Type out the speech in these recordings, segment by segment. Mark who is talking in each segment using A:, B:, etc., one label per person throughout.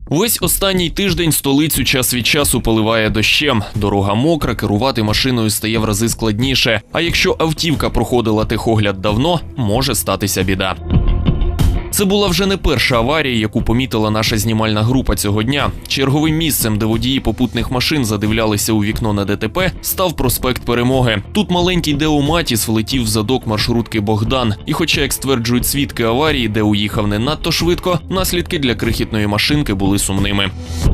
A: Весь останній тиждень столицю час від часу поливає дощем. Дорога мокра, керувати машиною стає в рази складніше. А якщо автівка проходила техогляд давно, може статися біда. Це була вже не перша аварія, яку помітила наша знімальна група цього дня. Черговим місцем, де водії попутних машин задивлялися у вікно на ДТП, став проспект Перемоги. Тут маленький Део Матіс влетів в задок маршрутки «Богдан». І хоча, як стверджують свідки аварії, Део їхав не надто швидко, наслідки для крихітної машинки були сумними.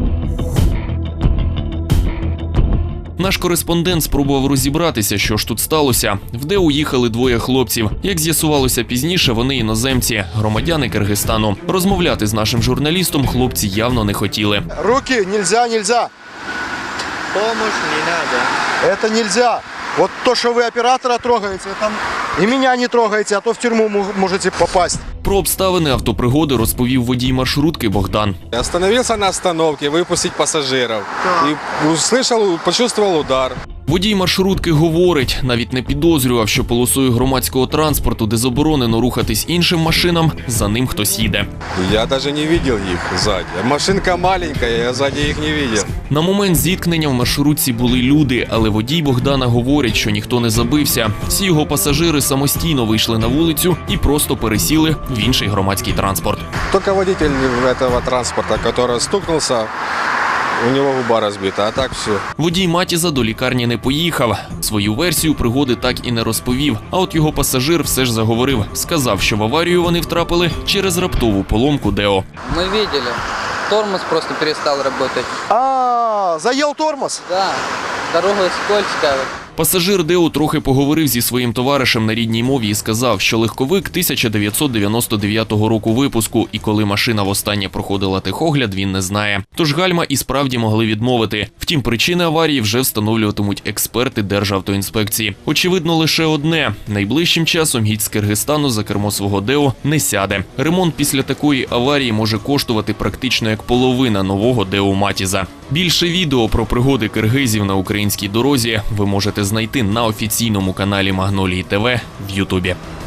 A: Наш кореспондент спробував розібратися, що ж тут сталося. В Део їхали двоє хлопців. Як з'ясувалося пізніше, вони іноземці, громадяни Киргизстану. Розмовляти з нашим журналістом хлопці явно не хотіли.
B: Руки нельзя.
C: Помощь не надо.
B: Это нельзя. Вот то, что вы оператора трогаете, там и меня не трогаете, а то в тюрьму можете попасть.
A: Про обставини автопригоди розповів водій маршрутки Богдан.
D: Я остановился на остановке выпустить пассажиров. И почувствовал удар.
A: Водій маршрутки говорить, навіть не підозрював, що полосою громадського транспорту, де заборонено рухатись іншим машинам, за ним хтось їде.
D: Я даже не видел их сзади. Машинка маленькая, я сзади их не видел.
A: На момент зіткнення в маршрутці були люди, але водій Богдана говорить, що ніхто не забився. Всі його пасажири самостійно вийшли на вулицю і просто пересіли в інший громадський транспорт.
D: Только водитель этого транспорта, который стукнулся, у него губа разбита, а так все.
A: Водій Матіза до лікарні не поїхав. Свою версію пригоди так і не розповів. А от його пасажир все ж заговорив. Сказав, що в аварію вони втрапили через раптову поломку Део.
C: Мы видели. Тормоз просто перестал работать.
B: Заел тормоз?
C: Да, дорога скользкая.
A: Пасажир Део трохи поговорив зі своїм товаришем на рідній мові і сказав, що легковик 1999 року випуску, і коли машина востаннє проходила техогляд, він не знає. Тож гальма і справді могли відмовити. Втім, причини аварії вже встановлюватимуть експерти Державтоінспекції. Очевидно лише одне – найближчим часом гість з Киргизстану за кермо свого Део не сяде. Ремонт після такої аварії може коштувати практично як половина нового Део Матіза. Більше відео про пригоди киргизів на українській дорозі ви можете знайти на офіційному каналі Магнолії ТВ в Ютубі.